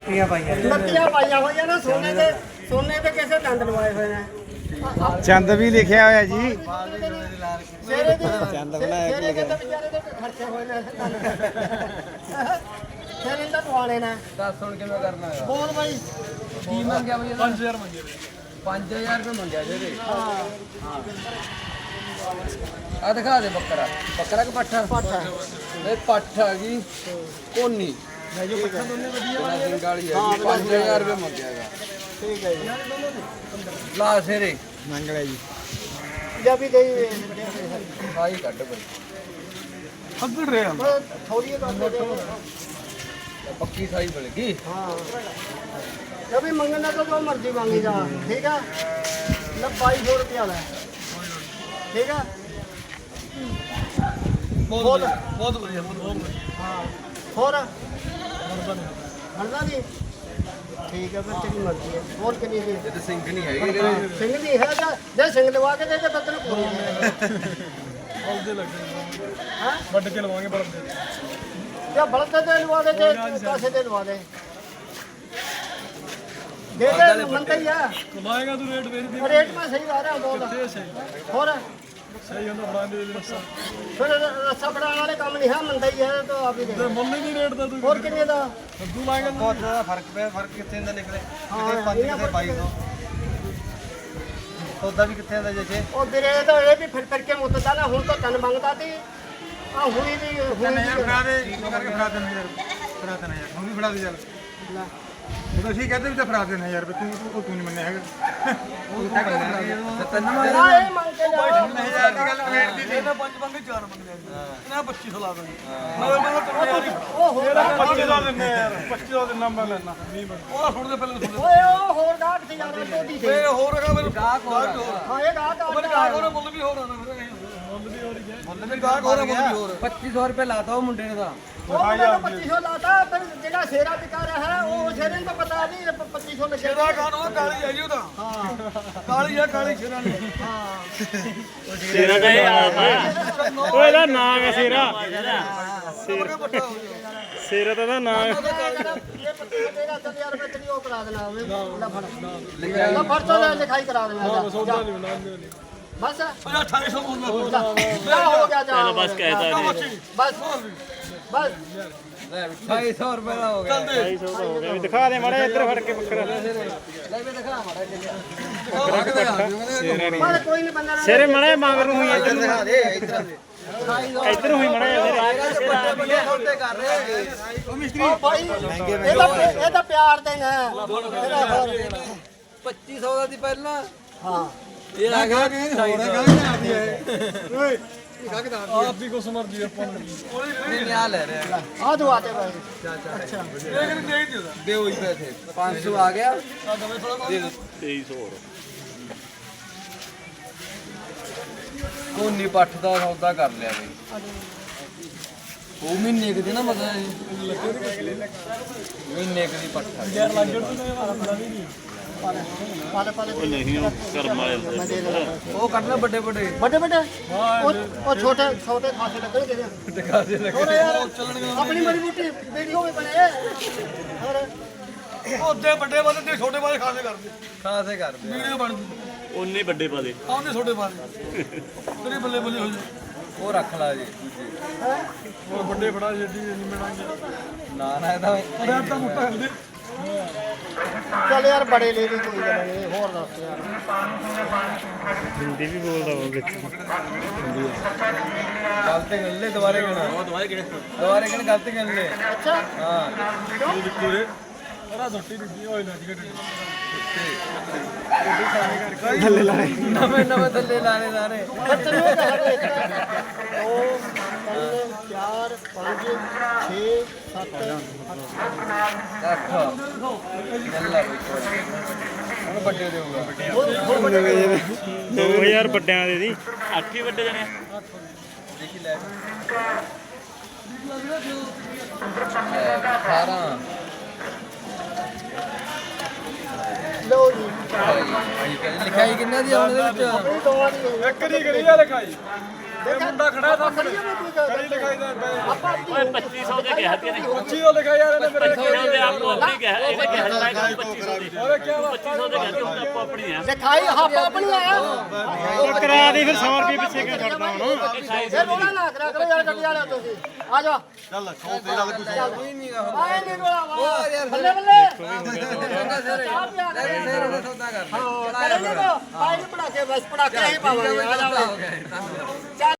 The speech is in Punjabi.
ਬੱਤੀਆਂ ਪਾਈਆਂ ਹੋਈਆਂ ਨੇ ਸੋਨੇ ਦੇ ਕਿਸੇ ਦੰਦ ਲਵਾਏ ਹੋਏ ਨੇ। ਚੰਦ ਵੀ ਲਿਖਿਆ ਹੋਇਆ ਜੀ। ਸ਼ੇਰੇ ਦੇ ਚੰਦ ਬਣਾਇਆ ਕਿ ਲਿਖਿਆ ਵਿਚਾਰੇ ਦੇ ਖਰਚੇ ਹੋਏ ਨੇ ਸ਼ੇਰੇ ਦਾ ਦਵਾਲੇ ਨੇ। ਦੱਸ ਹੁਣ ਕਿਵੇਂ ਕਰਨਾ ਹੈ? ਬੋਲ ਬਾਈ ਕੀ ਮੰਗਿਆ ਬਈ? 5000 ਮੰਗਿਆ। 5000 ਰੁਪਏ ਮੰਗਿਆ ਜੀ। ਹਾਂ ਆ ਦਿਖਾ ਦੇ ਬੱਕਰਾ। ਬੱਕਰਾ ਕਿ ਪੱਠਾ? ਪੱਠਾ ਇਹ ਪੱਠ ਆ ਗਈ ਕੋਨੀ। ਮੈਂ ਜੋ ਪੱਠਾ ਦੋਨੇ ਵਧੀਆ ਸਿੰਘ ਵਾਲੀ ਹੈ 5000 ਰੁਪਏ ਮੰਗਿਆ ਹੈਗਾ। ਠੀਕ ਹੈ ਜੀ। ਲਾ ਸੇਰੇ ਮੰਗ ਲਿਆ ਜੀ। ਜਾਂ ਵੀ ਗਈ ਸਾਈ ਕੱਢ ਬਈ। ਅੱਗੜ ਰਿਹਾ ਥੋੜੀ ਕਰ ਦੇ। ਪੱਕੀ ਸਾਈ ਮਿਲ ਗਈ। ਹਾਂ ਜੋ ਵੀ ਮੰਗਣਾ ਤਾਂ ਜੋ ਮਰਜ਼ੀ ਮੰਗੀ ਜਾ। ਠੀਕ ਆ ਲੈ 2200 ਰੁਪਇਆ ਲੈ। ਠੀਕ ਆ ਬਹੁਤ ਵਧੀਆ ਹਾਂ ਹੋਰ ਹਲਦਾ ਨਹੀਂ ਠੀਕ ਹੈ ਫਿਰ ਤੇਰੀ ਮਰਜ਼ੀ ਹੈ। ਹੋਰ ਕਿੰਨੀ ਦੀ ਇਹ ਸਿੰਘ ਨਹੀਂ ਹੈਗੇ। ਸਿੰਘ ਦੀ ਹੈ ਜਾਂ ਜੇ ਸਿੰਘ ਲਵਾ ਕੇ ਦੇ ਕੇ ਬੱਤਨ ਪੂਰੀ ਦੇ ਬਲਦੇ ਲੱਗੇ ਹਾਂ ਵੱਢ ਕੇ ਲਵਾਂਗੇ ਬਲਦੇ। ਜਾਂ ਬਲਦ ਦੇ ਲਵਾ ਦੇ ਤੇ ਕਾਸੇ ਦੇ ਲਵਾ ਦੇ ਦੇ ਦੇ ਮੰਨਦਾ ਹੀ ਆ। ਲਾਏਗਾ ਤੂੰ ਰੇਟ ਵੇਚ ਦੇ। ਰੇਟ ਮੈਂ ਸਹੀ ਲਾ ਰਿਹਾ ਬਹੁਤ ਹੋਰ ਸਹੀ ਹੁੰਦਾ ਬਣਾ ਦੇ ਰਸਾ। ਫਿਰ ਰੱਸਾ ਬਣਾਉਣ ਵਾਲੇ ਕੰਮ ਨਹੀਂ ਹੈ ਮੰਨਦਾ ਹੀ ਹੈ ਤਾਂ ਆਪ ਹੀ ਦੇ। ਮੁੱਲ ਨਹੀਂ ਰੇਟ ਦਾ ਤੂੰ ਹੋਰ ਕਿੰਨੇ ਦਾ ਕੱਦੂ ਲਾਏਗਾ ਤੂੰ। ਬਹੁਤ ਜ਼ਿਆਦਾ ਫਰਕ ਪਿਆ। ਫਰਕ ਕਿੱਥੇ ਹੁੰਦਾ ਨਿਕਲੇ? ਹਾਂ, ਕਿਤੇ 5 ਇਹਨਾਂ ਕਿਤੇ 2200। ਸੌਦਾ ਵੀ ਕਿੱਥੇ ਹੁੰਦਾ ਜੇ? ਉਹ ਵੀਰੇ ਤਾਂ ਇਹ ਵੀ ਫਿਰ ਕੇ ਮੁੱਤਦਾ ਨਾ। ਹੁਣ ਤਾਂ ਤਨ ਮੰਗਦਾ ਸੀ ਆ ਹੁਣੀ ਦੀ ਹੁਣੀ ਦੀ ਫੜਾ ਦੇ ਕਰਕੇ ਫੜਾ ਦੇ ਯਾਰ। ਫੜਾ ਦੇ ਯਾਰ ਹੁਣ ਵੀ ਫੜਾ ਦੇ ਚੱਲ। ਲੈ। ਉਹ ਅਸੀਂ ਕਹਿੰਦੇ ਵੀ ਤਾਂ ਫੜਾ ਦੇ ਯਾਰ ਤੂੰ ਨਹੀਂ ਮੰਨਿਆ ਹੈਗਾ। ਤਿੰਨ ਨਾ ਇਹ ਮੰਗ ਕੇ ਲਿਆ। 1000 ਦੀ ਗੱਲ ਵੇਟ ਦੀ ਸੀ। ਪੰਜ ਮੰਗੇ 4 ਮੰਗਦੇ ਇਹਨਾਂ 2500 ਲਾ ਦਾਂਗੇ। ਮੈਂ ਉਹ ਹੋਰ 25 ਦਿੰਨੇ ਯਾਰ। 25 ਦਿਨ ਮੈਂ ਲੈਣਾ 20 ਮਿੰਟ। ਉਹ ਸੁਣ ਦੇ ਪਹਿਲੇ ਸੁਣ ਓਏ ਉਹ ਹੋਰ ਗਾਹਕ ਸੀ ਯਾਰ ਟੋਡੀ ਸੀ। ਦੇ। ਹੋਰ ਹੈਗਾ ਮੈਨੂੰ ਗਾਹਕ ਹੋਰ। ਹਾਂ ਇਹ ਗਾਹਕ ਆ ਮੇਰੇ ਗਾਹਕ ਹੋਰ ਮੁੱਲ ਵੀ ਹੋਰ ਆਣਾ ਫਿਰ। ਮੁੱਲ ਵੀ ਹੋਰ ਗਿਆ। ਮੁੱਲ ਵੀ ਗਾਹਕ ਹੋਰ ਮੁੱਲ ਵੀ ਹੋਰ। 2500 ਰੁਪਏ ਲਾਤਾ ਉਹ ਮੁੰਡੇ ਨੇ ਦਾ। ਉਹ ਮੁੰਡੇ ਨੂੰ 2500 ਲਾਤਾ ਫਿਰ ਜਿਹੜਾ ਸ਼ੇਰਾ ਵਿਕਾ ਰਿਹਾ ਹੈ ਉਹ ਸ਼ੇਰੇ ਨੂੰ ਤਾਂ ਪਤਾ ਨਹੀਂ 2500 ਲੱਗਿਆ। ਸ਼ੇਰਾ ਖਾਨ ਉਹ ਕਾਲੀ ਹੈ ਜੀ ਉਹਦਾ। ਹਾਂ ਕਾਲੀ ਹੈ ਕਾਲੀ ਸ਼ੇਰਾ ਨੇ। ਹਾਂ ਤੇਰਾ ਤਾਂ ਇਹ ਆਪ ਆ। ਓਏ ਇਹਦਾ ਨਾਮ ਹੈ ਸੇਰਾ। ਸੇਰਾ ਤਾਂ ਨਾਮ ਇਹ 2500 ਦੇਗਾ ਚੱਲ ਯਾਰ ਮੈਂ ਤੇਰੀ ਉਹ ਕਰਾ ਦੇਣਾ ਲੈ ਫੜ ਲੈ ਫੜ ਤੋਂ ਲੈ ਲਿਖਾਈ ਕਰਾ ਦੇਣਾ ਬਸ 2800 ਮੁੱਲ। ਜਾ ਹੋ ਗਿਆ ਜਾ ਬਸ ਕਹਿਤਾ ਇਹਨੇ। ਬਸ ਬਸ ਲੈ 2800 ਰੁਪਏ ਦਾ ਹੋ ਗਿਆ। 250 ਦਾ ਹੋ ਗਿਆ ਵੀ ਦਿਖਾ ਦੇ ਮਾੜਾ ਇੱਧਰ ਫੜ ਕੇ ਬੱਕਰਾ। ਲੈ ਵੀ ਦਿਖਾ ਮਾੜਾ ਜਿਹਾ। ਬਸ ਕੋਈ ਨਹੀਂ ਬੰਦਾ ਸੇਰੇ ਮਾੜਾ ਮਗਰ ਨੂੰ ਹੋਈ ਇੱਧਰ ਦਿਖਾ ਦੇ ਇੱਧਰ ਦੇ। ਇੱਧਰ ਹੋਈ ਮਾੜਾ ਸੌਦੇ ਕਰ ਰਹੇ ਉਹ ਮਿਸਤਰੀ। ਉਹ ਭਾਈ ਇਹ ਤਾਂ ਪਿਆਰ ਦੇ ਨੇ 2500 ਦਾ ਦੀ ਪਹਿਲਾਂ। ਹਾਂ ਇਹ ਆ ਗਿਆ ਓਏ ਆਪ ਵੀ ਕੁਛ ਮਰਜੀ ਆਪਾਂ ਨੂੰ। ਨਹੀਂ ਆ ਲੈ ਰਿਹਾ। ਆ ਦੋ ਆਤੇ ਭਾਈ ਅੱਛਾ ਦਿਓ ਹੀ ਪੈਸੇ 500 ਆ ਗਿਆ। ਦੇ ਦਿਓ। 2300 ਹੋਰ। ਕੋਨੀ ਪੱਠ ਦਾ ਸੌਦਾ ਕਰ ਲਿਆ ਬਈ। ਉਹ ਮਹੀਨੇ ਕੁ ਦੀ ਨਾ ਮਤਲਬ ਮਹੀਨੇ ਕੁ ਦੀ ਪੱਠ ਆ ਯਾਰ। ਲੱਗ ਪਾਲੇ ਨਹੀਂ ਉਹ ਕਰਮ ਵਾਲੇ ਹੁੰਦੇ। ਮੈਂ ਦੇ ਦੇਣਾ ਉਹ ਕੱਢਣਾ ਵੱਡੇ ਵੱਡੇ। ਵੱਡੇ ਵੱਡੇ ਉਹ ਛੋਟੇ ਛੋਟੇ ਖਾਸੇ ਲੱਗਣਗੇ ਦਿਖਾ ਦੇ ਲੱਗੇ। ਹੋਰ ਯਾਰ ਆਪਣੀ ਮਜ਼ਬੂਤੀ ਵੀਡੀਓ ਵੀ ਬਣੇ ਹੋਰ ਉਹਦੇ ਵੱਡੇ ਵਾਲੇ ਤੇ ਛੋਟੇ ਵਾਲੇ ਖਾਸੇ ਕਰਦੇ। ਖਾਸੇ ਕਰਦੇ ਵੀਡੀਓ ਬਣ ਗਈ। ਉਹਨੇ ਵੱਡੇ ਪਾ ਦੇ। ਆਉਂਦੇ ਛੋਟੇ ਵਾਲੇ ਤੇਰੇ ਬੱਲੇ ਬੱਲੇ ਹੋ ਜਾ। ਉਹ ਰੱਖ ਲਾ ਜੀ ਦੂਜੇ। ਉਹ ਵੱਡੇ ਫੜਾ ਜੱਡੀ ਨਹੀਂ ਮਿਲਾਂਗੇ। ਨਾ ਇਹਦਾ ਰੇਟ ਤਾਂ ਮੁੱਟਾ ਹੁੰਦੇ। ਚੱਲ ਯਾਰ ਬੜੇ ਲੈ ਲਈ ਕੋਈ ਗੱਲ ਨਹੀਂ ਹੋਰ ਦੱਸ ਯਾਰ ਹਿੰਦੀ ਵੀ ਬੋਲਦਾ ਉਹ ਵਿੱਚ। ਗਲਤੀ ਕਰ ਲੈ ਦੁਬਾਰੇ ਕਹਿਣਾ। ਦੁਬਾਰੇ ਕਹਿਣਾ ਗਲਤੀ ਕਰ ਲੈ। ਅੱਛਾ ਹਾਂ ਪੂਰੇ ਅਰਾ ਛੋਟੀ ਦਿੱਤੀ ਹੋਈ ਨਾ ਜੀ ਨਵੇਂ ਨਵੇਂ ਥੱਲੇ ਲਾਣੇ ਸਾਰੇ। ਖਤਮ ਹੋ ਗਿਆ 2 3 4 5 6 7 ਅੱਠ ਗੱਲਾਂ ਬਈ ਹੁਣ ਵੱਡੇ ਦੇਊਗਾ। 2000 ਵੱਡਿਆਂ ਦੇ ਦੀ 8 ਹੀ ਵੱਡੇ ਜਣੇ। ਦੇਖੀ ਲੈ 18 ਲਓ ਜੀ ਲਿਖਾਈ ਕਿੰਨਾ ਦੀ ਆਉਣ ਦੇ ਵਿੱਚ? ਆਪਣੀ ਦੋਵਾਂ ਦੀ ਇੱਕ ਨਹੀਂ ਕਰੀ ਯਾਰ ਲਿਖਾਈ। ਮੁੰਡਾ ਖੜਾ ਸਾਹਮਣੇ ਖੜੀ ਲਿਖਾਈ ਦਾ ਆਪਾਂ ਓਏ 2500 ਦੇ ਕਿਹਾ ਤੀ ਇਹਨੇ 25 ਲਿਖਿਆ ਯਾਰ ਇਹਨੇ ਮੇਰੇ 2500 ਦੇ ਆਪੋ ਆਪਣੀ ਕਿਹਾ ਇਹਨੇ ਕਿਹਾ ਮੈਂ 2500 ਦੀ ਓਏ ਕੀ 2500 ਦੇ ਕਿਹਾ ਤੂੰ ਆਪੋ ਆਪਣੀ ਆ ਲਿਖਾਈ ਹੱਪ ਆਪਣੀ ਆ ਉਹ ਕਰਾ ਦੇ ਫਿਰ 100 ਰੁਪਏ ਪਿੱਛੇ ਕਿਉਂ ਛੱਡਦਾ ਹੁਣ ਇਹ ਰੋਣਾ ਨਾ ਕਰਿਆ ਕਰੋ ਯਾਰ ਗੱਡੀ ਵਾਲਿਓ ਤੁਸੀਂ ਆ ਜਾ ਚੱਲ 100 ਤੇਰਾ ਲੱਗੂ ਕੋਈ ਨਹੀਂ ਗਾ ਆਏ ਨਹੀਂ ਰੋਲਾ ਵਾ ਉਹ ਯਾਰ ਬੱਲੇ ਬੱਲੇ ਚੰਗਾ ਸਿਰੇ ਚਾਹ ਪਿਆ ਕਰ ਸਿਰੇ ਦਾ ਸੌਦਾ ਕਰ ਹਾਂ ਕਰੇ ਨਹੀਂ ਆਏ ਨਹੀਂ ਪੜਾ ਕੇ ਬਸ ਪੜਾ ਕੇ ਹੀ ਪਾਵਾਂਗੇ ਆ ਜਾ ਹੋ ਗਿਆ